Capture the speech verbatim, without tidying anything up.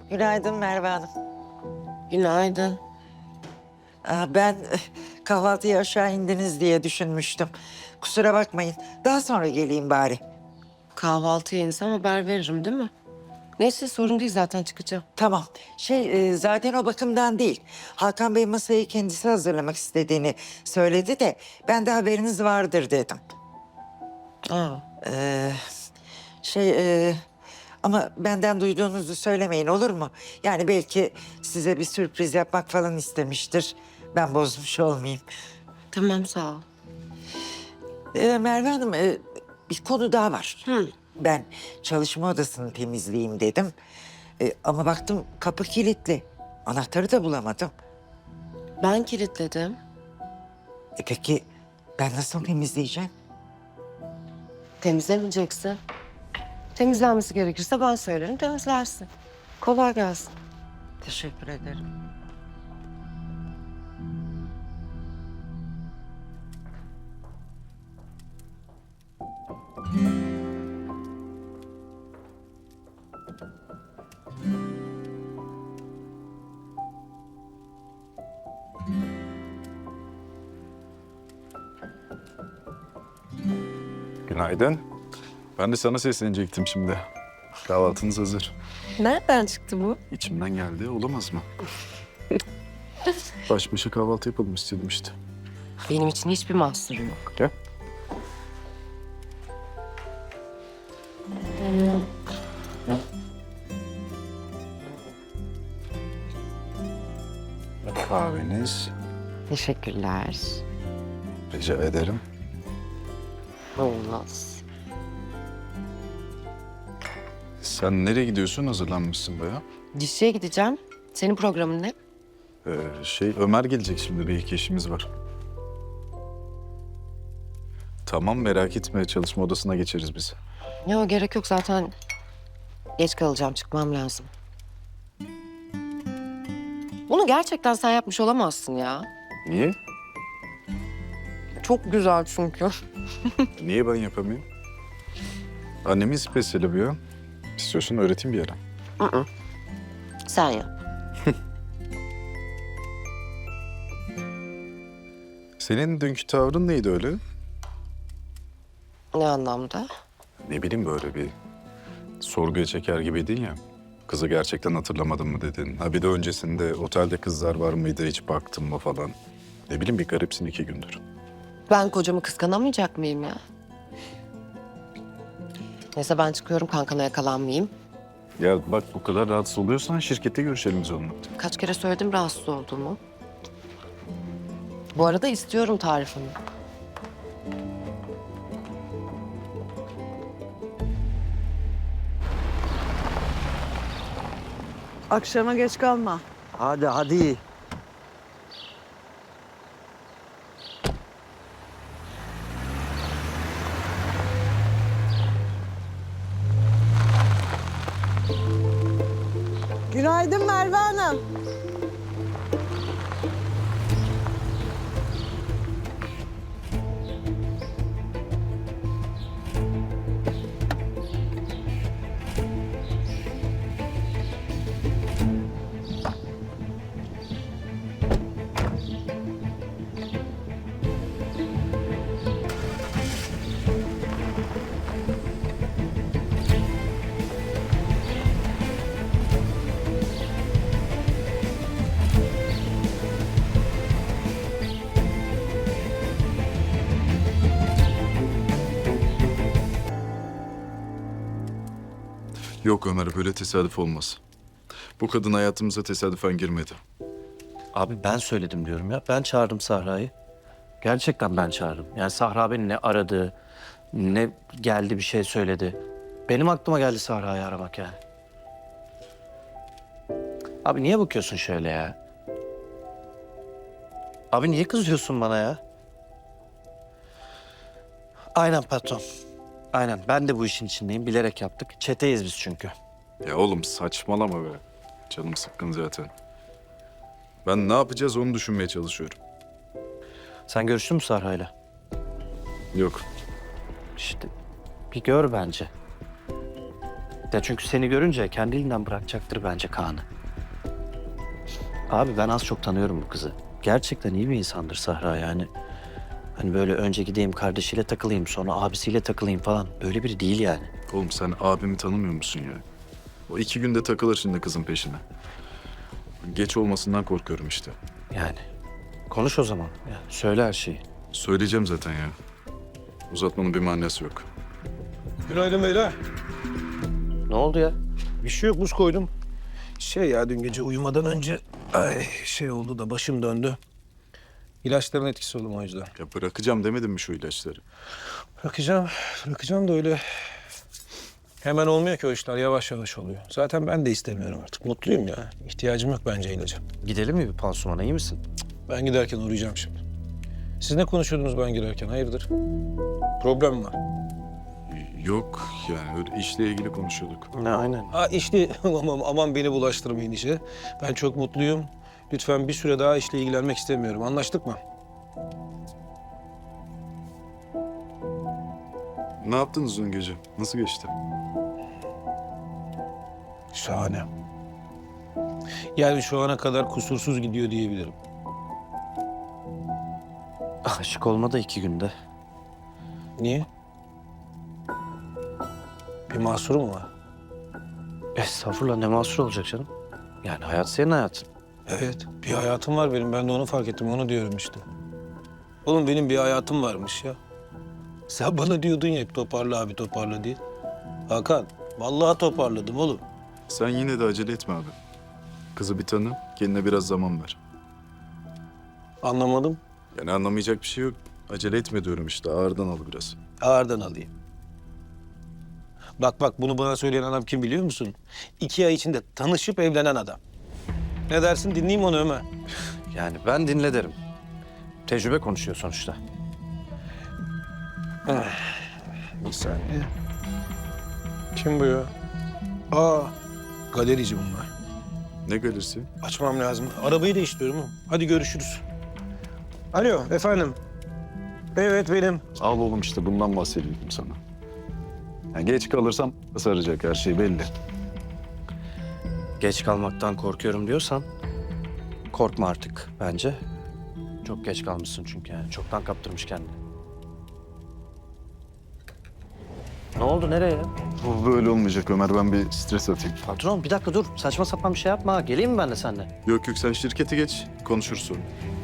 Günaydın Merve Hanım. Günaydın. Aa, ben eh, kahvaltıya aşağı indiniz diye düşünmüştüm. Kusura bakmayın. Daha sonra geleyim bari. Kahvaltıya insem haber veririm değil mi? Neyse sorun değil zaten çıkacağım. Tamam. Şey eh, zaten o bakımdan değil. Hakan Bey masayı kendisi hazırlamak istediğini söyledi de ben de haberiniz vardır dedim. Aa, Ee, şey eh, ama benden duyduğunuzu söylemeyin olur mu? Yani belki size bir sürpriz yapmak falan istemiştir. Ben bozmuş olmayayım. tamam sağ ol. Ee, Merve Hanım, e, bir konu daha var. Hı. Ben çalışma odasını temizleyeyim dedim. E, ama baktım kapı kilitli. Anahtarı da bulamadım. Ben kilitledim. E, peki ben nasıl temizleyeceğim? Temizlemeyeceksin. Temizlenmesi gerekirse ben söylerim temizlersin. Kolay gelsin. Teşekkür ederim. Günaydın. Ben de sana seslenecektim şimdi. Kahvaltınız hazır. Nereden çıktı bu? İçimden geldi, olamaz mı? Baş başa kahvaltı yapalım istedim işte. Benim için hiçbir mahsuru yok. Gel. Kahveniz. Teşekkürler. Rica ederim. Olmaz. Sen nereye gidiyorsun? Hazırlanmışsın bayağı. Dişçiye gideceğim. Senin programın ne? Ee, şey, Ömer gelecek şimdi. Bir iki işimiz var. Tamam, merak etme. Çalışma odasına geçeriz biz. Yok gerek yok zaten. Geç kalacağım çıkmam lazım. Bunu gerçekten sen yapmış olamazsın ya. Niye? Çok güzel çünkü. Niye ben yapamayayım? Annemin spesiyeli bu ya. İstiyorsan öğreteyim bir ara. Sen yap. Senin dünkü tavrın neydi öyle? Ne anlamda? Ne bileyim böyle bir sorguya çeker gibiydin ya. Kızı gerçekten hatırlamadın mı dedin. Ha bir de öncesinde otelde kızlar var mıydı hiç baktın mı falan. Ne bileyim bir garipsin iki gündür. Ben kocamı kıskanamayacak mıyım ya? Neyse ben çıkıyorum kankana yakalanmayayım. Ya bak bu kadar rahatsız oluyorsan şirkette görüşelim biz onunla. Kaç kere söyledim rahatsız olduğumu. Bu arada istiyorum tarifini. Akşama geç kalma. Hadi hadi. Günaydın Merve Hanım. Yok Ömer böyle tesadüf olmaz. Bu kadın hayatımıza tesadüfen girmedi. Abi ben söyledim diyorum ya. Ben çağırdım Sahra'yı. Gerçekten ben çağırdım. Yani Sahra beni ne aradı, ne geldi bir şey söyledi. Benim aklıma geldi Sahra'yı aramak yani. Abi niye bakıyorsun şöyle ya? Abi niye kızıyorsun bana ya? Aynen patron. Aynen ben de bu işin içindeyim. Bilerek yaptık. Çeteyiz biz çünkü. Ya oğlum saçmalama be. Canım sıkkın zaten. Ben ne yapacağız onu düşünmeye çalışıyorum. Sen görüştün mü Sahra'yla? Yok. İşte bir gör bence. Ya çünkü seni görünce kendiliğinden bırakacaktır bence Kaan'ı. Abi ben az çok tanıyorum bu kızı. Gerçekten iyi bir insandır Sahra yani. Hani böyle önce gideyim kardeşiyle takılayım sonra abisiyle takılayım falan. Öyle biri değil yani. Oğlum sen abimi tanımıyor musun ya? O iki günde takılır şimdi kızın peşine. Geç olmasından korkuyorum işte. Yani konuş o zaman. Yani söyle her şeyi. Söyleyeceğim zaten ya. Uzatmanın bir manası yok. Günaydın beyler. Ne oldu ya? Bir şey yok, buz koydum. Şey ya, dün gece uyumadan önce ay şey oldu da başım döndü. İlaçların etkisi oldu o yüzden. Ya bırakacağım demedim mi şu ilaçları? Bırakacağım, bırakacağım da öyle hemen olmuyor ki o işler, yavaş yavaş oluyor. Zaten ben de istemiyorum artık, mutluyum ya. İhtiyacım yok bence ilaca. Gidelim mi bir pansumana, iyi misin? Ben giderken uğrayacağım şimdi. Siz ne konuşuyordunuz ben girerken, hayırdır? Problem mi var? Yok yani öyle işle ilgili konuşuyorduk. Ne aynen. Ha işte aman, aman beni bulaştırmayın işe. Ben çok mutluyum. Lütfen bir süre daha işle ilgilenmek istemiyorum. Anlaştık mı? Ne yaptınız dün gece? Nasıl geçti? Şahane. Yani şu ana kadar kusursuz gidiyor diyebilirim. Aşık olma da iki günde. Niye? Bir mahsuru mu var? Estağfurullah, ne mahsur olacak canım? Yani hayat senin hayatın. Evet, bir hayatım var benim. Ben de onu fark ettim, onu diyorum işte. Oğlum benim bir hayatım varmış ya. Sen bana diyordun ya hep toparla abi, toparla diye. Hakan, vallahi toparladım oğlum. Sen yine de acele etme abi. Kızı bir tanı, kendine biraz zaman ver. Anlamadım. Yani anlamayacak bir şey yok. Acele etme diyorum işte, ağırdan al biraz. Ağırdan alayım. Bak bak, bunu bana söyleyen adam kim biliyor musun? İki ay içinde tanışıp evlenen adam. Ne dersin, dinleyeyim onu Ömer. Yani ben dinle derim. Tecrübe konuşuyor sonuçta. Bir saniye. Kim bu ya? Aa, galerici bunlar. Ne galerisi? Açmam lazım. Arabayı değiştiriyorum oğlum. Hadi görüşürüz. Alo, efendim. Evet, benim. Al oğlum işte bundan bahsediyordum sana. Yani geç kalırsam saracak her şey belli. Geç kalmaktan korkuyorum diyorsan korkma artık bence. Çok geç kalmışsın çünkü yani. Çoktan kaptırmış kendini. Ne oldu, nereye ya? Bu böyle olmayacak Ömer, ben bir stres atayım. Patron bir dakika dur. Saçma sapan bir şey yapma. Geleyim mi ben de seninle? Yok yok sen şirkete geç, konuşuruz sonra.